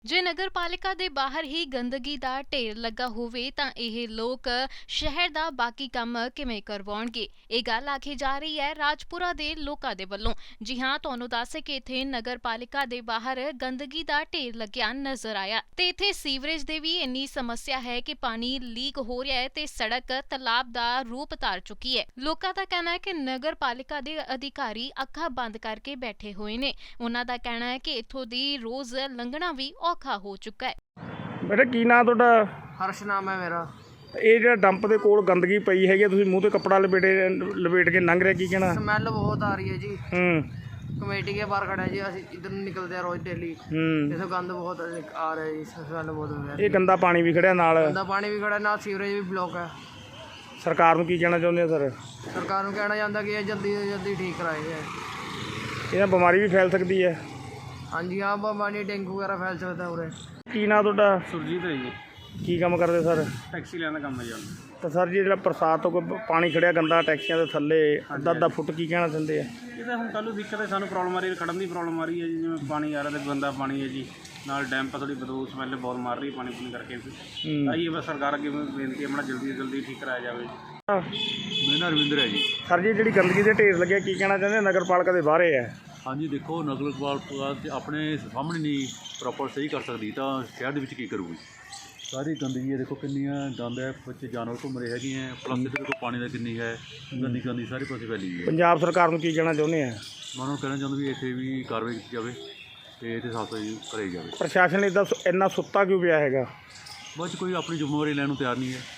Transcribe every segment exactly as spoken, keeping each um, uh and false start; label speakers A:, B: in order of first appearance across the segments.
A: ਜੇ ਨਗਰ ਪਾਲਿਕਾ ਦੇ ਬਾਹਰ ਹੀ ਗੰਦਗੀ ਦਾ ਢੇਰ ਲੱਗਾ ਹੋਵੇ ਤਾਂ ਇਹ ਲੋਕ ਸ਼ਹਿਰ ਦਾ ਬਾਕੀ ਕੰਮ ਕਿਵੇਂ ਕਰਵਾਉਣਗੇ। ਇਹ ਗੱਲ ਆਖੀ ਜਾ ਰਹੀ ਹੈ ਰਾਜਪੁਰਾ ਦੇ ਲੋਕਾਂ ਦੇ ਵੱਲੋਂ। ਜੀ ਹਾਂ, ਤੁਹਾਨੂੰ ਦੱਸ ਕਿ ਇੱਥੇ ਨਗਰ ਪਾਲਿਕਾ ਦੇ ਬਾਹਰ ਗੰਦਗੀ ਦਾ ਢੇਰ ਲੱਗਿਆ ਨਜ਼ਰ ਆਇਆ ਤੇ ਇੱਥੇ ਸੀਵਰੇਜ ਦੇ ਵੀ ਇੰਨੀ ਸਮੱਸਿਆ ਹੈ ਕਿ ਪਾਣੀ ਲੀਕ ਹੋ ਰਿਹਾ ਹੈ ਤੇ ਸੜਕ ਤਲਾਬ ਦਾ ਰੂਪ ਧਾਰ ਚੁੱਕੀ ਹੈ। ਲੋਕਾਂ ਦਾ ਕਹਿਣਾ ਹੈ ਕਿ ਨਗਰ ਪਾਲਿਕਾ ਦੇ ਅਧਿਕਾਰੀ ਅੱਖਾਂ ਬੰਦ ਕਰਕੇ ਬੈਠੇ ਹੋਏ ਨੇ। ਉਹਨਾਂ ਦਾ ਕਹਿਣਾ ਹੈ ਕਿ ਇੱਥੋਂ ਦੀ ਰੋਜ਼ ਲੰਘਣਾ ਵੀ ਔਖਾ ਹੋ ਚੁੱਕਾ ਹੈ।
B: ਬੇਟਾ ਕੀ ਨਾਂ ਤੁਹਾਡਾ?
C: ਹਰਸ਼ ਨਾਮ ਹੈ ਮੇਰਾ।
B: ਇਹ ਜਿਹੜਾ ਡੰਪ ਦੇ ਕੋਲ ਗੰਦਗੀ ਪਈ ਹੈਗੀ, ਤੁਸੀਂ ਮੂੰਹ ਤੇ ਕੱਪੜਾ ਲਪੇਟੇ ਲਪੇਟ ਕੇ ਲੰਘ ਰਿਹਾ, ਕੀ ਕਹਿਣਾ?
C: ਸਮੈਲ ਬਹੁਤ ਆ ਰਹੀ है जी।
B: ਹੂੰ
C: कमेटी के बाहर खड़ा है जी, ਅਸੀਂ इधर निकलते हैं रोज डेली।
B: ਹੂੰ
C: इससे गंद बहुत आ रहा है जी, स्मेल बहुत हो रहा
B: ਇਹ ਗੰਦਾ ਪਾਣੀ ਵੀ ਖੜਿਆ ਨਾਲ।
C: है। गंदा पानी भी खड़ा है, ना सीवरेज भी ब्लॉक है।
B: ਸਰਕਾਰ ਨੂੰ ਕੀ ਕਹਿਣਾ ਚਾਹੁੰਦੇ ਆ ਸਰ?
C: सरकार को कहना चाहता कि ये जल्दी से जल्दी ठीक कराए जाए।
B: ਇਹਨਾਂ ਬਿਮਾਰੀ ਵੀ ਫੈਲ ਸਕਦੀ ਹੈ।
C: हाँ जी हाँ, बीमारी डेंगू वगैरह फैल सकता है उरे।
B: ਕੀ ਨਾਂ ਤੁਹਾਡਾ?
D: ਸੁਰਜੀਤ ਹੈ ਜੀ।
B: ਕੀ ਕੰਮ ਕਰਦੇ ਸਰ?
D: ਟੈਕਸੀ ਲੈਣ ਦਾ ਕੰਮ ਹੈ ਜੀ।
B: ਤਾਂ ਸਰ ਜੀ ਜਿਹੜਾ ਬਰਸਾਤ ਤੋਂ ਕੋਈ ਪਾਣੀ ਖੜਿਆ ਗੰਦਾ ਟੈਕਸੀਆਂ ਦੇ ਥੱਲੇ ਅੱਧਾ ਅੱਧਾ ਫੁੱਟ, ਕੀ ਕਹਿਣਾ ਚਾਹੁੰਦੇ ਆ?
D: ਇਹ ਤਾਂ ਹੁਣ ਕੱਲ੍ਹ ਨੂੰ ਦਿੱਕਤ ਹੈ, ਸਾਨੂੰ ਪ੍ਰੋਬਲਮ ਆ ਰਹੀ ਹੈ, ਖੜਨ ਦੀ ਪ੍ਰੋਬਲਮ ਆ ਰਹੀ ਹੈ ਜੀ। ਜਿਵੇਂ ਪਾਣੀ ਆ ਰਿਹਾ ਤੇ ਗੰਦਾ ਪਾਣੀ ਹੈ ਜੀ, ਨਾਲ ਡੈਮ ਪਾ ਥੋੜੀ ਬਦਬੂ ਸਮੈਲ ਬਹੁਤ ਮਾਰ ਰਹੀ ਪਾਣੀ ਪੂਣੀ ਕਰਕੇ। ਤਾਂ ਇਹ ਬਸ ਸਰਕਾਰ ਅੱਗੇ ਬੇਨਤੀ ਹੈ ਆਪਣਾ ਜਲਦੀ ਤੋਂ ਜਲਦੀ ਠੀਕ ਕਰਾਇਆ ਜਾਵੇ।
E: ਮੇਰਾ ਨਾਮ ਰਵਿੰਦਰ ਹੈ ਜੀ।
B: ਸਰ ਜੀ ਜਿਹੜੀ ਗੰਦਗੀ ਦੇ ਢੇਰ ਲੱਗਿਆ, ਕੀ ਕਹਿਣਾ ਚਾਹੁੰਦੇ? ਨਗਰ ਪਾਲਿਕਾ ਦੇ ਬਾਹਰੇ ਹੈ।
E: ਹਾਂਜੀ ਦੇਖੋ, ਨਗਰ ਪਾਲਿਕਾ ਤੇ ਆਪਣੇ ਸਾਹਮਣੇ ਨਹੀਂ ਪ੍ਰੋਪਰ ਸਹੀ ਕਰ ਸਕਦੀ ਤਾਂ ਸ਼ਹਿਰ ਦੇ ਵਿੱਚ ਕੀ ਕਰੂਗੀ? ਸਾਰੀ ਗੰਦਗੀ ਹੈ, ਦੇਖੋ ਕਿੰਨੀਆਂ ਗੰਦ ਹੈ, ਬੱਚੇ ਜਾਨਵਰ ਘੁੰਮ ਰਹੇ ਹੈਗੇ ਹੈ, ਪਲੱਸ ਇਹਦੇ ਦੇਖੋ ਪਾਣੀ ਦਾ ਕਿੰਨੀ ਹੈ ਗੰਦੀ ਗੰਦੀ ਸਾਰੇ ਪਾਸੇ ਫੈਲੀ ਹੈ।
B: ਪੰਜਾਬ ਸਰਕਾਰ ਨੂੰ ਕੀ ਕਹਿਣਾ ਚਾਹੁੰਦੇ ਆ?
E: ਮੈਂ ਉਹਨਾਂ ਨੂੰ ਕਹਿਣਾ ਚਾਹੁੰਦਾ ਵੀ ਇੱਥੇ ਵੀ ਕਾਰਵਾਈ ਕੀਤੀ ਜਾਵੇ ਤੇ ਇੱਥੇ ਸਾਫ਼ ਸਫਾਈ ਕਰਾਈ ਜਾਵੇ।
B: ਪ੍ਰਸ਼ਾਸਨ ਇੱਦਾਂ ਇੰਨਾ ਸੁੱਤਾ ਕਿਉਂ ਪਿਆ ਹੈਗਾ?
E: ਬਾਅਦ 'ਚ ਕੋਈ ਆਪਣੀ ਜ਼ਿੰਮੇਵਾਰੀ ਲੈਣ ਨੂੰ ਤਿਆਰ ਨਹੀਂ ਹੈ,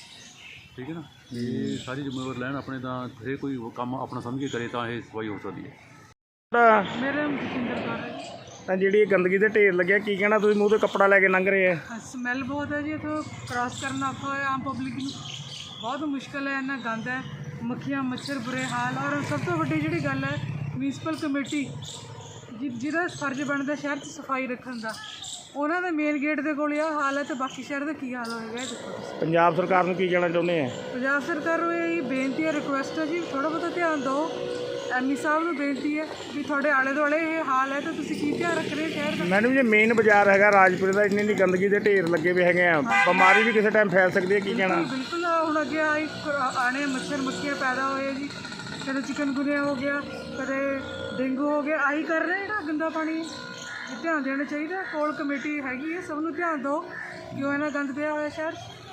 E: ਠੀਕ ਹੈ ਨਾ। ਇਹ ਸਾਰੀ ਜ਼ਿੰਮੇਵਾਰੀ ਲੈਣ ਆਪਣੇ, ਤਾਂ ਹਰੇਕ ਕੋਈ ਕੰਮ ਆਪਣਾ ਸਮਝ ਕੇ ਕਰੇ ਤਾਂ ਇਹ ਸਫਾਈ ਹੋ ਸਕਦੀ ਹੈ।
C: मेरे जतिंदर कौर है जी।
B: ਤਾਂ ਜਿਹੜੀ ਇਹ ਗੰਦਗੀ ਦੇ ਢੇਰ ਲੱਗਿਆ, ਕੀ ਕਹਿਣਾ? ਤੁਸੀਂ ਮੂੰਹ ਤੇ ਕੱਪੜਾ ਲੈ ਕੇ ਲੰਘ ਰਹੇ ਆ।
F: ਸਮੈਲ ਬਹੁਤ ਹੈ ਜੀ, ਇੱਥੋਂ ਕ੍ਰਾਸ ਕਰਨਾ ਔਖਾ ਹੋਇਆ ਆਮ ਪਬਲਿਕ ਨੂੰ, ਬਹੁਤ ਮੁਸ਼ਕਿਲ ਹੈ। ਇੰਨਾ ਗੰਦ ਹੈ, ਮੱਖੀਆਂ ਮੱਛਰ ਬੁਰੇ ਹਾਲ। ਔਰ ਸਭ ਤੋਂ ਵੱਡੀ ਜਿਹੜੀ ਗੱਲ ਹੈ, ਮਿਊਨਿਸਪਲ ਕਮੇਟੀ ਜਿ ਜਿਹਦਾ ਫਰਜ਼ ਬਣਦਾ ਸ਼ਹਿਰ 'ਚ ਸਫਾਈ ਰੱਖਣ ਦਾ, ਉਹਨਾਂ ਦੇ ਮੇਨ ਗੇਟ ਦੇ ਕੋਲ ਇਹ ਹਾਲ ਹੈ ਤੇ ਬਾਕੀ ਸ਼ਹਿਰ ਦਾ ਕੀ ਹਾਲ ਹੋਏਗਾ ਇਹ ਦੇਖੋ ਤੁਸੀਂ।
B: ਪੰਜਾਬ ਸਰਕਾਰ ਨੂੰ ਕੀ ਕਹਿਣਾ ਚਾਹੁੰਦੇ ਆ?
F: ਪੰਜਾਬ ਸਰਕਾਰ ਨੂੰ ਇਹ ਬੇਨਤੀ ਹੈ, ਰਿਕੁਐਸਟ ਹੈ ਜੀ, ਥੋੜ੍ਹਾ ਬਹੁਤਾ ਧਿਆਨ ਦਿਓ। ਐਮ ਈ ਸਾਹਿਬ ਨੂੰ ਬੇਨਤੀ ਹੈ ਵੀ ਤੁਹਾਡੇ ਆਲੇ ਦੁਆਲੇ ਇਹ ਹਾਲ ਹੈ ਤਾਂ ਤੁਸੀਂ ਕੀ ਧਿਆਨ ਰੱਖ ਰਹੇ ਸ਼ਹਿਰ ਦਾ?
B: ਮੈਡਮ ਜੀ, ਮੇਨ ਬਾਜ਼ਾਰ ਹੈਗਾ ਰਾਜਪੁਰੇ ਦਾ, ਇੰਨੀ ਇੰਨੀ ਗੰਦਗੀ ਦੇ ਢੇਰ ਲੱਗੇ ਹੋਏ ਹੈਗੇ ਆ, ਬਿਮਾਰੀ ਵੀ ਕਿਸੇ ਟਾਈਮ ਫੈਲ ਸਕਦੀ ਹੈ, ਕੀ ਕਹਿਣਾ?
F: ਬਿਲਕੁਲ, ਹੁਣ ਅੱਗੇ ਆਈ ਆਣੇ ਮੱਛਰ ਮੱਖੀਆਂ ਪੈਦਾ ਹੋਏ ਜੀ, ਕਦੇ ਚਿਕਨਗੁਨੀਆ ਹੋ ਗਿਆ, ਕਦੇ ਡੇਂਗੂ ਹੋ ਗਿਆ। ਆਹੀ ਕਰ ਰਹੇ ਜਿਹੜਾ ਗੰਦਾ ਪਾਣੀ, ਧਿਆਨ ਦੇਣਾ ਚਾਹੀਦਾ। ਕੋਲ ਕਮੇਟੀ ਹੈਗੀ ਹੈ, ਸਭ ਨੂੰ ਧਿਆਨ ਦਿਓ ਕਿਉਂ ਇਹਨਾਂ ਗੰਦ ਪਿਆ ਹੋਇਆ ਸ਼ਹਿਰ 'ਚ।